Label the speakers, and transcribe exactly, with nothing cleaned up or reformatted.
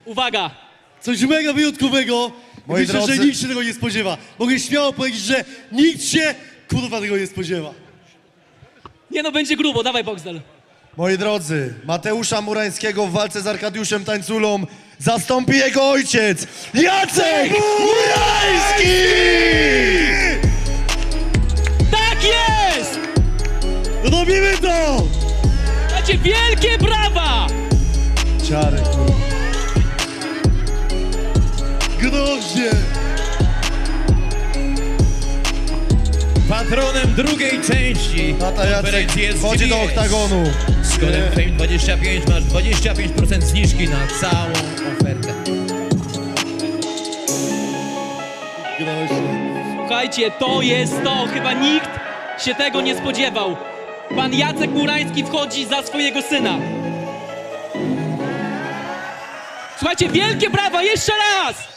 Speaker 1: Uwaga!
Speaker 2: Coś mega wyjątkowego.
Speaker 3: Moi
Speaker 2: Myślę,
Speaker 3: drodzy-
Speaker 2: że nikt się tego nie spodziewa. Mogę śmiało powiedzieć, że nikt się kurwa tego nie spodziewa.
Speaker 1: Nie no, będzie grubo, dawaj Boxdel.
Speaker 3: Moi drodzy, Mateusza Murańskiego w walce z Arkadiuszem Tańculą zastąpi jego ojciec, Jacek Murański!
Speaker 1: Tak jest!
Speaker 2: Robimy to!
Speaker 1: Macie wielkie brawa!
Speaker 3: Ciary, kurwa.
Speaker 2: Groźnie!
Speaker 4: Patronem drugiej części
Speaker 3: Tata Jacek
Speaker 4: konferencji jest
Speaker 3: wchodzi do
Speaker 4: G B S.
Speaker 3: oktagonu.
Speaker 4: Z kodem Fame dwadzieścia pięć masz dwadzieścia pięć procent zniżki na całą ofertę.
Speaker 2: Groźnie.
Speaker 1: Słuchajcie, to jest to. Chyba nikt się tego nie spodziewał. Pan Jacek Murański wchodzi za swojego syna. Słuchajcie, wielkie brawa, jeszcze raz!